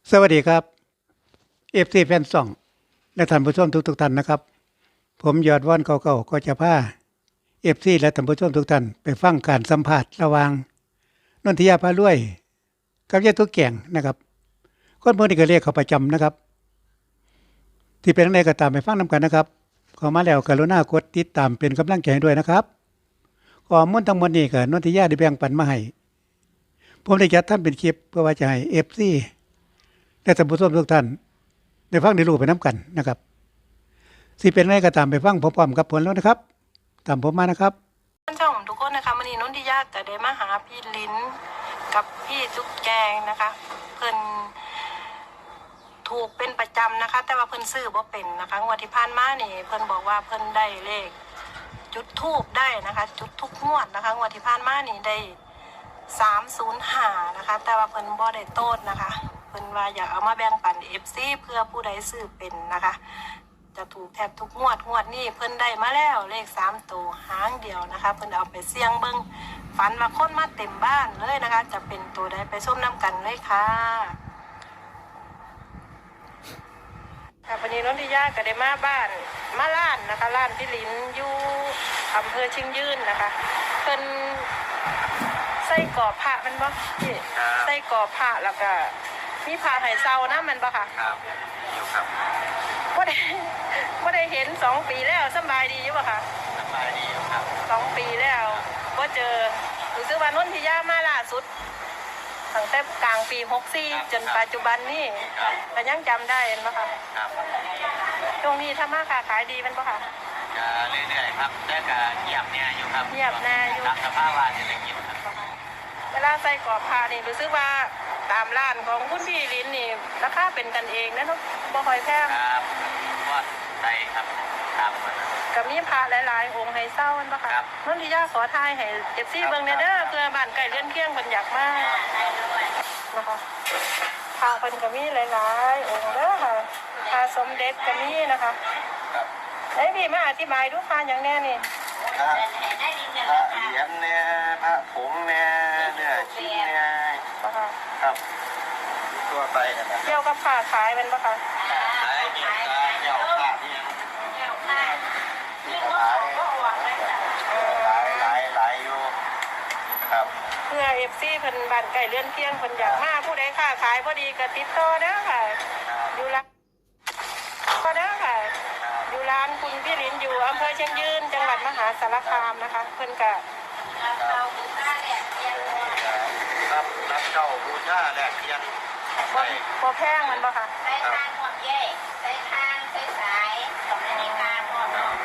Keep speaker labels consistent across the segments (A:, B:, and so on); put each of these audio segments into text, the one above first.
A: สวัสดีครับเอฟซีแฟนซ่องและท่านผู้ชมทุกท่านนะครับผมยอดว่อนเก่าๆก็จะพาเอฟซีและท่านผู้ชมทุกท่านไปฟังการสัมภาษณ์ระหว่างนนทิยาพารวยกับยายตุ๊กแกงนะครับคนพวกนี้ก็เรียกเขาประจำนะครับที่เป็นอะไรก็ตามไปฟังนำกันนะครับขอมาแล้วกรุณากดติดตามเป็นกำลังใจให้ด้วยนะครับข้อมูลทั้งหมดนี้ก็นนทิยาได้แบ่งปันมาให้ผมได้จัดทำเป็นคลิปเพื่อว่าจะให้เอฟซีและท่านผู้ชมทุกท่านได้ฟังได้รู้ไปน้ำกันนะครับสิเป็นอะไรก็ตามไปฟังพร้อมๆกับผลแล้วนะครับตามผมมานะครับ
B: ท่านช่องทุกคนนะคะวันนี้นนทิยาจะได้มาหาพี่ลิ้นกับพี่จุ๊กแจงนะคะ เพิ่นถูกเป็นประจำนะคะ แต่ว่าเพิ่นซื้อบ่เป็นนะคะงวดที่ผ่านมานี่เพิ่นบอกว่าเพิ่นได้เลขจุดทูบได้นะคะ จุดทุกงวดนะคะงวดที่ผ่านมานี่ได้305นะคะแต่ว่าเพิ่นบ่ได้โต้นนะคะเพิ่นว่าอยากเอามาแบ่งปัน FC เพื่อผู้ใดซื้อเป็นนะคะจะถูกแทบทุกงวดนี้เพิ่นได้มาแล้วเลข3ตัวหางเดียวนะคะเพิ่นเอาไปเสี่ยงเบิ่งฝันว่าคนมาเต็มบ้านเลยนะคะ จะเป็นตัวใดไปชมน้ำกันเลยค่ะวันนี้นนทิยาก็ได้มาบ้านมาล้านนะคะล้านพี่ลิ้นอยู่อำเภอชิงยืนนะคะเพิ่นใส่กรอบผ้ามันบ่พี่ใส่กรอบผ้าแล้วก็มีผ้าไหเซานะมันบ่ค่ะ
C: ครับอยู่ครับ
B: บ่ได้เห็น2 ปีแล้วสบายดีอยู่บ่ค่ะ
C: สบายดีอยู่ครับ
B: 2 ปีแล้วบ่เจอรู้สึกว่านนทิยามาล่าสุดตั้งแต่กลางปี64จนปัจจุบันนี้ก็ยังจำได้เห็นบ่ค่ะ
C: ครับ
B: ช่วงนี้ถ้ามาค้าขายดีมันบ่ค่ะ
C: ก็เรื่อยๆครับแต่ก็เงียบแน่อยู่ครับ
B: เงียบแน่อยู่
C: ตามสภาวะเศรษฐกิจครับ
B: เวลาใส่กรอบผ้านี่รู้สึกว่าตามร้านของคุณพี่ลิ้นนี่ราคาเป็นกันเองนะเนาะบ่ค่อยแพง
C: ครับว่าใช่ครับตามมา
B: กับมีพระหลายๆองค์ให้เศร้ามันบ่ค่ะนนทิยาขอทายให้FCเบิ่งแน่เด้อเพื่อบ้านใกล้เรือนเคียงเพิ่นอยากมานะคะพระเพิ่นก็มีหลายๆองค์เด้อค่ะพระสมเด็จก็มีนะคะไอ้พี่มาอธิบายดูพระหยังแน่นี่
C: พระเหรียญเนี่ยพระผงเนี่ยเนื้อชิ้นเนี่ยครับตัวไปกันนะ
B: เกี่ยวกับผ้าขายเป็นปะคะ
C: ขายเกี่ยวกับเกี่ยวผ้าที่ยังขายหลายอยู่ครับ
B: เพื่อFCเพิ่นบ้านใกล้เรือนเคียงเพิ่นอยากมาผู้ใดค้าขายบ่ดีก็ติดต่อเด้อค่ะอยู่ร้านก็เด้อค่ะอยู่ร้านคุณพี่ลิ้นอยู่อำเภอเชียงยืนจังหวัดมหาสารคามนะคะเพิ่นก็
C: รับเจ้าบูชาแลกเทียน
B: บ่แพงมันบ่ค่ะ
D: ใส่ทางหมดเย่ใส่ทางใส่สายตรงนี้การหมด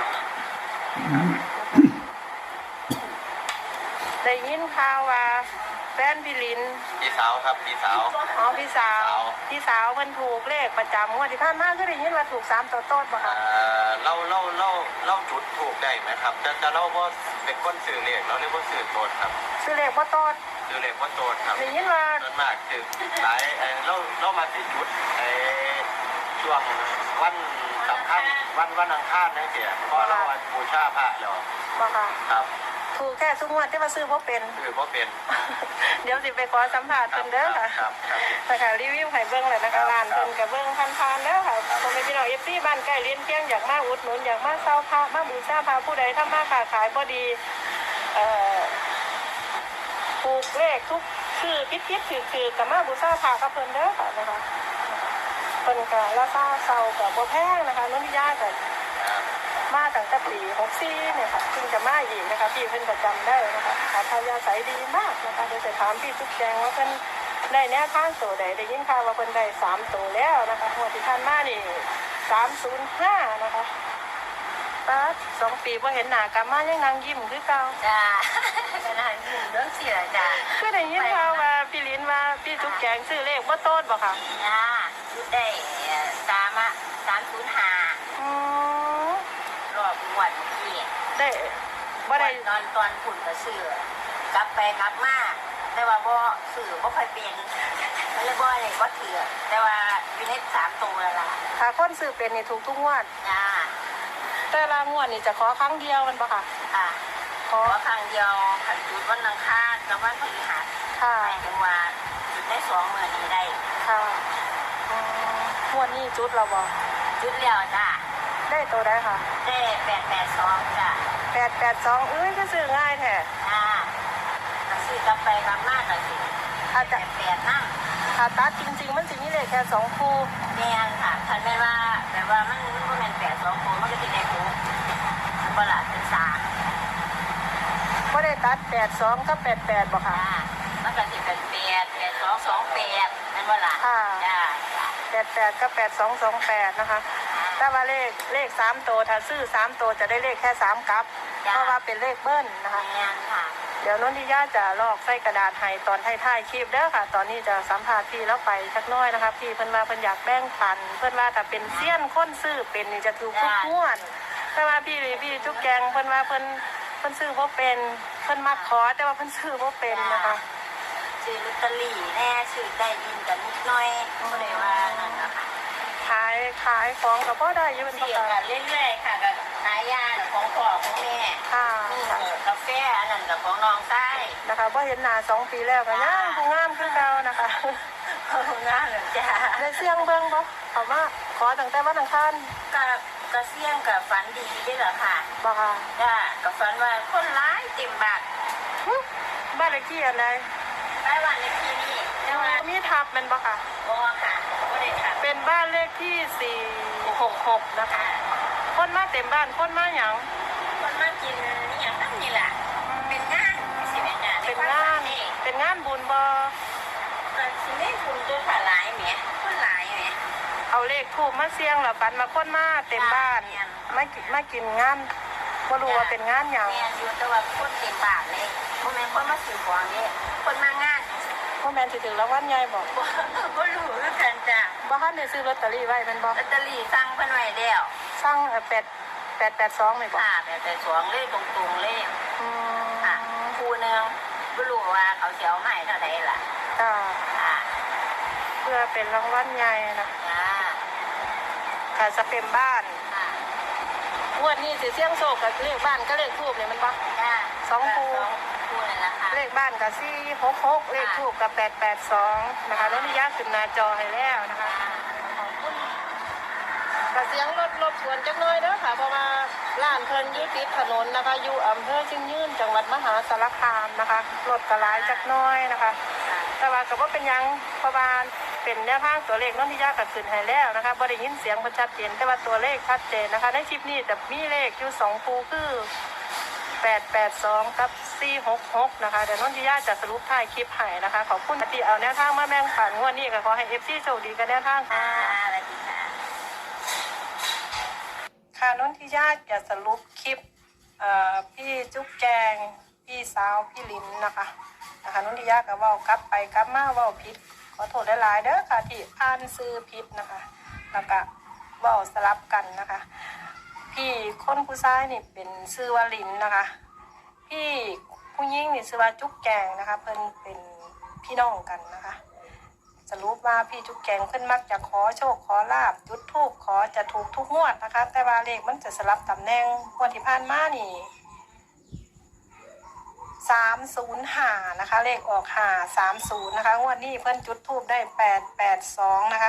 B: ได้ยินข่าวว่าแฟนพี่ลิ้น
C: พี่สาวครับพี่สาว
B: อ๋อพี่สาวเพิ่นถูกเลขประจำงวดที่ผ่านมาคือได้ยินว่าถูก3ตัวโต๊ดบ่ค่ะ
C: เราจุดถูกได้ไหมครับแต่เราบ่เป็นคนซื้อเลขเราเรียกว่าซื้อโตดครับ
B: ซื้อเลขบ่โต๊ด
C: ซื้อเลขบ่โตดครับ
B: ได้ยินว่า
C: ส่วนมากคือหลายเรามาสิจุดช่วงวันสำคัญวันอังคารนั่นเสียเพราะเราบูชาพระแล้ว
B: บ่ค่ะ
C: ครับ
B: ถูกแค่ทุกงวดที่มาซื้อบ่เป็นเดี๋ยวสิไปขอสัมภาษณ์เพิ่นเด้อค่ะนะคะรีวิวให้เบิ่งเลยนะคะร้านเพิ่นก็เบิ่งผ่านๆแล้วค่ะพ่อแม่พี่น้อง FC บ้านใกล้เรือนเคียงอยากมาอุดหนุนอยากมาเซาพระมาบูชาพระผู้ใดทำมาค้าขายบ่ดีถูกเลขทุกชื่อผิดๆถือๆก็มาบูชาพระกับเพิ่นเด้อค่ะนะคะเพิ่นก็ราคาเซาก็บ่แพงนะคะนนทิยาก็มาตั้งแต่ปี64เนี่ยค่ะเพิ่งจะมาอีกนะคะพี่เพิ่นก็จำได้นะคะขาทายาใสดีมากนะคะเดี๋ยวจะถามพี่ทุกแจงว่าเพิ่นได้แนวทางตัวใดได้ยินข่าวว่าเพิ่นได้3ตัวแล้วนะคะงวดที่ผ่านมานี่305นะคะป้า2 ปีบ่เห็นหน้ากลับมายังนางยิ้มคือเก่า
D: จ้าขนาดยิ้มเรื่องเสียจ้า
B: คือได้ยินข่าวว่าพี่ลิ้นว่าพี่ทุกแจงซื้อเลขบ่โต๊ดบ่ค่ะ
D: จ้าชุดได้305รอบงวดที่
B: ได้บ่ได้
D: นอนตอนฝุ่นก็ซื้อกลับไปกลับมาแต่ว่าบ่ซื้อบ่ค่อยเป็นมันเลยบ่ได้บ่ถือแต่ว่าอยู่ใน3ตัวแล้วล่ะ
B: ถ้าคนซื้อเป็นนี่ถูกทุกงวด
D: จ้า
B: แต่ละงวดนี่จะขอครั้งเดียวมันบ่ค่ะ
D: ค่ะขอครั้งเดียวขันจุดวันอังคารกับวันพฤหัส
B: ค่ะ
D: หมายถึงว่าจุดได้2 มื้อนี้ได้
B: ค่ะวันนี้จุดเราบ่
D: จุดแล้วจ้ะ
B: ได้ตัวได้ค่ะ
D: ได้882จ้ะ
B: 882ก็ซื้อง่ายแท้
D: ซื้อกลับไปกลับมาก็สิ
B: อาจจะ
D: 8นั่ง
B: ถ้าตัดจริงๆมันสิมีเลขแค่2คู่
D: แม่นค่ะคันแม่นว่าแบบว่ามันบ่แม่น82คนมันก็สิได้6มันบ่ล่ะเป็น3
B: บ่ได้ตัด82กับ88บ่ค่ะ
D: มันก็สิเป็น8228นั่นบ่ล่ะ
B: ค่ะ
D: จ้า
B: 88กับ8228นะคะแต่ว่าเลข3ตัวถ้าซื้อ3ตัวจะได้เลขแค่3กับเพราะว่าเป็นเลขเบิ้ลนะคะ
D: แม่นค่ะ
B: เดี๋ยวนนทิยาจะลอกใส่กระดาษให้ตอนท้ายๆคลิปเด้อค่ะ ตอนนี้จะสัมภาษณ์พี่แล้วไปสักหน้อยนะคะพี่เพิ่นว่าเพิ่นอยากแบ่งปันเพิ่นว่าถ้าเป็นเซียนคนซื้อเป็นนี่จะถูกทุกงวดแต่ว่าพี่จุกแกงเพิ่นว่าเพิ่นซื้อบ่เป็นเพิ่นมักขอแต่ว่าเพิ่นซื้อบ่เป็นนะคะ
D: ซื้อลอตเตอรี่แน่ซื้อได้ยินกันนิดหน่อยบ่ได้ว่านั่นนะคะ
B: ขายของก็พอได้อยู่เป็นป
D: เสี่ย
B: ก
D: งกั
B: ติ
D: นเรื่อยๆค่ะกับขายยาของพ่อของแม่
B: ค่ะ
D: นี่กาแฟอันนั้นกับของน้องใต้
B: นะคะบ่เห็นหน้า2 ปีแล้วก็ยังผู้งามคือเก่านะคะ
D: ของงานเหรอจ้า
B: ได้เสียงเบิ่งบ่เขามาขอตั้งแต่วันอังคาร
D: กะเสี่ยงกับฝันดีด้วยเหรอค่ะ
B: บ่ค่ะ
D: จ้ากับฝันว่าคนร้ายเต็มบาท
B: บ้านเลขที่อันใด
D: ไปวันในที่นี่แต่ว่า
B: มีทับแมันบ่ค่ะ
D: บ่ค่ะบ่ได้ค่ะ
B: เป็นบ้านเลขที่466นะคะ คนมาเต็มบ้านคนมาหยัง
D: คนมากินนี่อย่างนั้นนี่แหละเป็นงานสิแม่จ้า
B: เป็นงานบุญบ่
D: มันสิได้คุณตัวขาหลายแหมคนหลายแหม
B: เอาเลขทูปมาเสี่ยงแล้วปันมาคนมาเต็มบ้านมากินงานบ่รู้ว่าเป็นงานหยัง
D: แม่อยู่แต่ว่าคนเต็มบาทเลยบ่แม่นคนมาซื้อของนี่คนมางาน
B: บ่แม่นสิถึงรางวัลใหญ่บ่
D: บ่รู้คือกันจ้ะ
B: บ่ทันได้ซื้อลอตเตอรี่ไว้แม่นบ่
D: ลอตเตอรี่สั่งเพิ่นไว้แล้ว
B: สั่ง882นี่บ่
D: ค่ะแต่สองเลขตรงๆเลข
B: อืม
D: ค่ะคู่หนึงบ่รู้ว่าเขาสิเอาให้เท่าใดล่ะ
B: จ้า
D: ค่ะ
B: เพื่อเป็นรางวัลใหญ่นะ
D: จ้า
B: ค่ะจะเป็นบ้าน
D: ค่ะ
B: งวดนี้สิเสี่ยงโชคกับเลขบ้านก็เลขทูปนี่มันบ่
D: จ้า
B: สองคู่
D: คู่นั่นล่ะค่ะ
B: เลขบ้านกับ466เลขทูปกับ882นะคะรถนิยาขึ้นหน้าจอให้แล้วนะคะขอบคุณกเสียงรถสวนจักหน่อยเด้อค่ะเพราะว่าร้านเพิ่นอยู่ติดถนนนะคะอยู่อำเภอชิงยืนจังหวัดมหาสารคามนะคะรถก็หลายจักหน่อยนะคะ แต่ว่าก็บ่เป็นหยังเพราะว่าเป็นแนวทางตัวเลขนนทิยาก็ขึ้นให้แล้วนะคะบ่ได้ยินเสียงเพิ่นชัดเจนแต่ว่าตัวเลขชัดเจนนะคะในคลิปนี้จะมีเลขอยู่2คู่คือ882กับ466นะคะเดี๋ยวนนทิยาจะสรุปท้ายคลิปให้นะคะขอบคุณที่เอาแนวทางมาแบ่งปันงวดนี้ก็ขอให้ FC โชคดีกับแนวทาง
D: ค่ะ
B: ค่ะ
D: สวัสดีค่ะ
B: ค่ะนนทิยาจะสรุปคลิปพี่จุ๊บแจงพี่สาวพี่ลินนะคะนนทิยาก็เว้ากลับไปกลับมาเว้าผิดขอโทษหลายๆเด้อค่ะที่อ่านซื้อผิดนะคะแล้วก็เว้าสลับกันนะคะพี่คนผู้ชายนี่เป็นชื่อว่าลินนะคะพี่ผู้หญิงนี่ชื่อว่าจุ๊บแจงนะคะเพิ่นเป็นพี่น้องกันนะคะสรุปว่าพี่จุ๊บแจงเพิ่นมักจะขอโชคขอลาบจุดธูปขอจะถูกทุกงวดนะคะแต่ว่าเลขมันจะสลับตำแหน่งงวดที่ผ่านมานี่305นะคะเลขออก530นะคะงวดนี้เพิ่นจุดธูปได้882นะคะ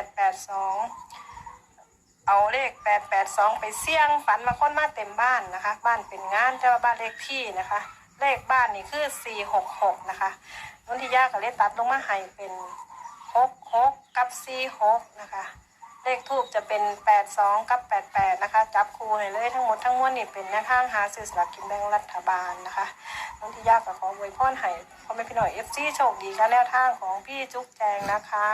B: 882เอาเลข882ไปเสี่ยงฝันว่าคนมาเต็มบ้านนะคะบ้านเป็นงานแต่ว่าบ้านเลขที่นะคะเลขบ้านนี่คือ466นะคะนนทิยาก็เลยตัดลงมาให้เป็น66กับ46นะคะเลขทูปจะเป็น82กับ88นะคะจับคู่ให้เลยทั้งหมดทั้งมวลนี่เป็นแนวทางหาซื้อสลากกินแบ่งรัฐบาลนะคะนนทิยาก็ขออวยพรให้พ่อแม่พี่น้อง FC โชคดีกับแนวทางของพี่จุ๊กแจงนะคะ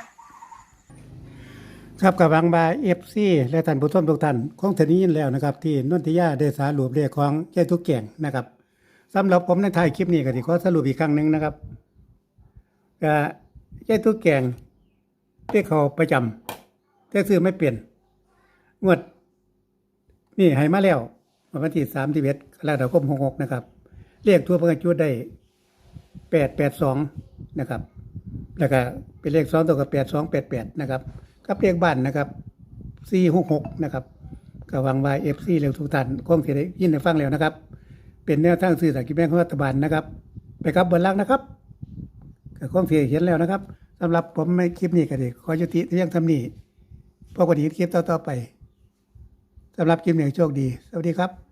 B: ครับกับบางบา FC และท่านผู้ชมทุกท่านคงจะได้ยินแล้วนะครับที่นนทิยาได้สรุปเลขของยายทุกแจงนะครับสำหรับผมในท้ายคลิปนี้ก็สิขอสรุปอีกครั้งหนึงนะครับก็ยายทุกแจงที่เขาประจำแต่ซื้อไม่เปลี่ยนงวดนี่ให้มาแล้ววันที่31กรกฎาคม66นะครับเลขทั่วประจุดได้882นะครับแล้วก็เป็นเลข2ตัวกับ8288นะครับกับเลขบ้านนะครับ466นะครับก็หวังว่า FC เร็วทุกท่านคงสิได้ยินได้ฟังแล้วนะครับเป็นแนวทางซื้อสลากกินแบ่งรัฐบาลนะครับไปครับเบนลักนะครับก็คงสิเห็นแล้วนะครับสำหรับผมในคลิปนี้ก็ได้ขอยุติเพียงเท่านี้
A: พบกันอีกคลิปต่อๆไปสำหรับคลิปนี้โชคดีสวัสดีครับ